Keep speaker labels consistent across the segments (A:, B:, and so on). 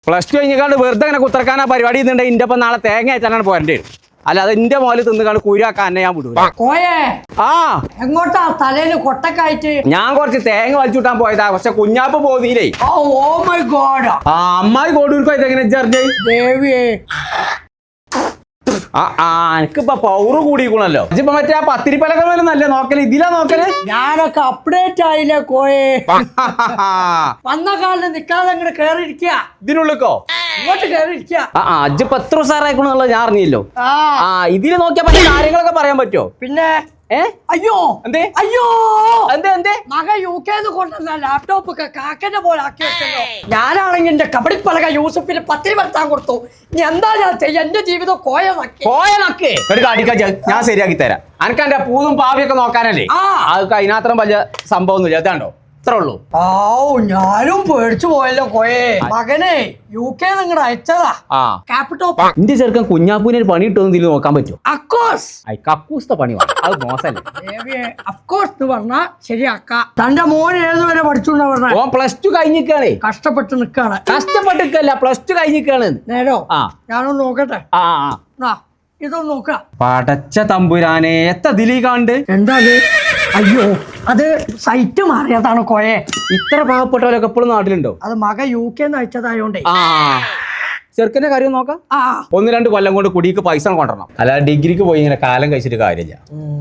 A: Plus two കഴിഞ്ഞാണ്ട് വെറുതെ അങ്ങനെ കുത്തർക്കാനാ പരിപാടി ചെയ്യുന്നുണ്ടെങ്കിൽ ഇന്റെ ഒപ്പം നാളെ തേങ്ങ അയച്ചാലാണ് പോരേണ്ടി വരും. അല്ലാതെ എന്റെ മോല് തിന്നുകാണ്ട് കുരുവാക്കാൻ എന്നെ ഞാൻ വിടൂല.
B: കോയേ
A: ആ
B: എങ്ങോട്ടാ തലയില് കൊട്ടക്കായിട്ട്?
A: ഞാൻ കുറച്ച് തേങ്ങ വലിച്ചുവിട്ടാൻ പോയതാ, പക്ഷെ കുഞ്ഞാപ്പ് പോന്നീലേ.
B: Oh my God.
A: ആ അമ്മായി കോടൂർക്കോ ഇതെങ്ങനെ ജർജ്
B: ദേവിയേ,
A: എനിക്കിപ്പോ പൗറ് കൂടിക്കണല്ലോ. ഇപ്പൊ മറ്റേ ആ പത്തിരിപ്പലക മേലെ നല്ല നോക്കല്, ഇതിലാ നോക്കല്.
B: ഞാനൊക്കെ അപ്ഡേറ്റ് ആയില്ലേ കോയേ. വന്ന കാലിൽ നിക്കാതെ അങ്ങോട്ട് കേറിയിരിക്കുക.
A: ഇതിനുള്ളിക്കോ
B: ഇങ്ങോട്ട് കേറിയിരിക്കുക.
A: അജ്ജിപ്പോ എത്ര ഉസാറായിക്കണെന്നുള്ളത് ഞാൻ അറിഞ്ഞില്ലോ. ഇതില് നോക്കിയാ പറ്റിയ കാര്യങ്ങളൊക്കെ പറയാൻ പറ്റുമോ?
B: പിന്നെ അയ്യോ
A: എന്തേ
B: അയ്യോ
A: എന്തേ
B: മക UK കൊണ്ടുവന്ന ലാപ്ടോപ്പ് ഒക്കെ കാക്കന്റെ പോലെ ആക്കി വെച്ചല്ലോ. ഞാനാണെങ്കിൽ എന്റെ കബഡിപ്പലക യൂസഫിന് 10 വരുത്താൻ കൊടുത്തു. ഇനി എന്താ ഞാൻ ചെയ്യാ? എന്റെ ജീവിതം കോയനക്ക്
A: ഒരു കാടിക്കാ ഞാൻ ശരിയാക്കി തരാം. അനക്ക് എന്റെ പൂതും പാവിയൊക്കെ നോക്കാനല്ലേ, അതൊക്കെ അതിനകത്രം വലിയ സംഭവം ഒന്നുമില്ല. ഇതാണ്ടോ ഇത്ര ഉള്ളൂ.
B: ഞാനും പേടിച്ചു പോയല്ലോ കോയെ. മകനെ UK നിങ്ങടെ അയച്ചതാ ലാപ്ടോപ്പ്.
A: എന്റെ ചെറുക്കൻ കുഞ്ഞാപ്പൂവിന് ഒരു പണി ഇട്ടൊന്നും ഇതിൽ നോക്കാൻ പറ്റുമോ? കക്കൂസ്ത പണി അത് മോശല്ലേ.
B: അഫ്കോഴ്സ് പറഞ്ഞാ ശരിയാക്ക. തന്റെ മോൻ ഏതുവരെ പഠിച്ചുകൊണ്ടാ പറഞ്ഞ?
A: ഓൻ +2 കഴിഞ്ഞിക്കാണേ.
B: കഷ്ടപ്പെട്ട് നിക്കാണ്.
A: കഷ്ടപ്പെട്ടിക്കല്ല, +2 കഴിഞ്ഞിക്കാണ്.
B: നേരോ ഞാനൊന്ന് നോക്കട്ടെ. ഇതൊന്ന് നോക്ക.
A: പടച്ച തമ്പുരാനെ, എത്ര ദിലീ കാണ്ട്.
B: എന്താ അയ്യോ, അത് സൈറ്റ് മാറിയതാണ് കോയെ.
A: ഇത്ര പാവപ്പെട്ടവരൊക്കെ എപ്പോഴും നാട്ടിലുണ്ടോ?
B: അത് മക UK അയച്ചതായോണ്ടേ.
A: ചെറുക്കന്റെ കാര്യം നോക്കാം. 1-2 കൊല്ലം കൊണ്ട് കുടിക്ക് പൈസ കൊണ്ടുവരണം. അല്ലാതെ ഡിഗ്രിക്ക് പോയി ഇങ്ങനെ കാലം കഴിച്ചിട്ട് കാര്യമില്ല.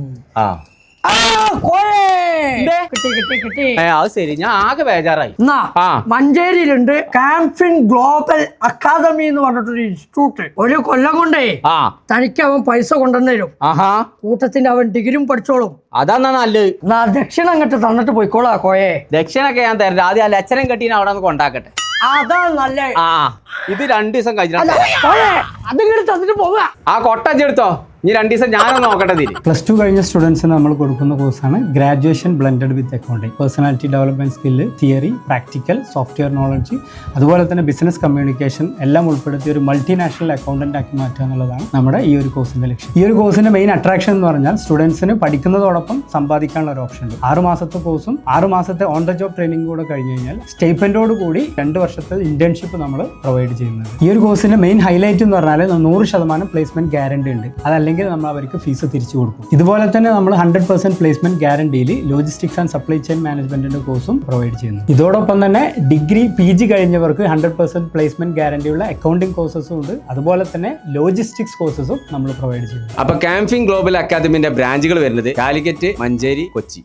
A: അത് ശരി, ഞാൻ ആകെ ബേജാറായി.
B: മഞ്ചേരിയിലുണ്ട് കാംഫിൻ ഗ്ലോബൽ അക്കാദമി എന്ന് പറഞ്ഞിട്ടൊരു ഇൻസ്റ്റിറ്റ്യൂട്ട്. 1 കൊല്ലം കൊണ്ടേ തനിക്ക് അവൻ പൈസ കൊണ്ടുവന്നേരും. കൂട്ടത്തിന്റെ അവൻ ഡിഗ്രിയും പഠിച്ചോളും.
A: അതാ നല്ലത്.
B: ദക്ഷിണ അങ്ങോട്ട് തന്നിട്ട് പോയിക്കോളാ കോയെ.
A: ദക്ഷിണൊക്കെ ഞാൻ തരാം. ആദ്യം ആ ലക്ഷണം കെട്ടീനെ അവിടെ നിന്ന് കൊണ്ടാക്കട്ടെ.
B: അതാ നല്ല.
A: ഇത് 2 ദിവസം കഴിഞ്ഞാൽ
B: അതിങ്ങോട്ട് തന്നിട്ട് പോവുക.
A: ആ കൊട്ടഞ്ചെടുത്തോ. ഇനി 2 ദിവസം ഞാനൊന്ന് നോക്കട്ടെ.
C: +2 കഴിഞ്ഞ സ്റ്റുഡൻസിന് നമ്മൾ കൊടുക്കുന്ന കോഴ്സാണ് graduation blended with accounting. Personality development skill, theory, practical, software knowledge, അതുപോലെ തന്നെ ബിസിനസ് കമ്മ്യൂണിക്കേഷൻ എല്ലാം ഉൾപ്പെടുത്തിയ ഒരു മൾട്ടിനാഷണൽ അക്കൗണ്ടന്റ് ആക്കി മാറ്റുക എന്നുള്ളതാണ് നമ്മുടെ ഈ ഒരു കോഴ്സിന്റെ ലക്ഷ്യം. ഈ ഒരു കോഴ്സിന്റെ മെയിൻ അട്രാക്ഷൻ എന്ന് പറഞ്ഞാൽ സ്റ്റുഡൻസിന് പഠിക്കുന്നതോടൊപ്പം സമ്പാദിക്കാനുള്ള ഒരു ഓപ്ഷൻ ഉണ്ട്. 6 മാസത്തെ കോഴ്സും 6 മാസത്തെ ഓൺ ദ ജോബ് ട്രെയിനിങ് കൂടെ കഴിഞ്ഞ് കഴിഞ്ഞാൽ സ്റ്റൈപ്പൻഡോട് കൂടി 2 വർഷത്തെ ഇന്റേൺഷിപ്പ് നമ്മൾ പ്രൊവൈഡ് ചെയ്യുന്നത്. ഈ ഒരു കോഴ്സിന്റെ മെയിൻ ഹൈലൈറ്റ് എന്ന് പറഞ്ഞാൽ 100% പ്ലേസ്മെന്റ് ഗ്യാരണ്ടി ഉണ്ട്. അതല്ലെങ്കിൽ നമ്മൾ അവർക്ക് ഫീസ് തിരിച്ചു കൊടുക്കും. ഇതുപോലെ തന്നെ നമ്മൾ 100% പ്ലേസ്മെന്റ് ഗ്യാരണ്ടിയിൽ ലോജിസ്റ്റിക്സ് ആൻഡ് സപ്ലൈ ചെയിൻ മാനേജ്മെന്റിന്റെ കോഴ്സും പ്രൊവൈഡ് ചെയ്യുന്നു. ഇതോടൊപ്പം തന്നെ ഡിഗ്രി PG കഴിഞ്ഞവർക്ക് 100% പ്ലേസ്മെന്റ് ഗ്യാരണ്ടിയുള്ള അക്കൗണ്ടിംഗ് കോഴ്സസും ഉണ്ട്. അതുപോലെ തന്നെ ലോജിസ്റ്റിക്സ് കോഴ്സസും നമ്മൾ പ്രൊവൈഡ് ചെയ്യുന്നു.
A: അപ്പൊ കാംഫിൻ ഗ്ലോബൽ അക്കാദമിന്റെ ബ്രാഞ്ചുകൾ വരുന്നത് കാലിക്കറ്റ്, മഞ്ചേരി, കൊച്ചി.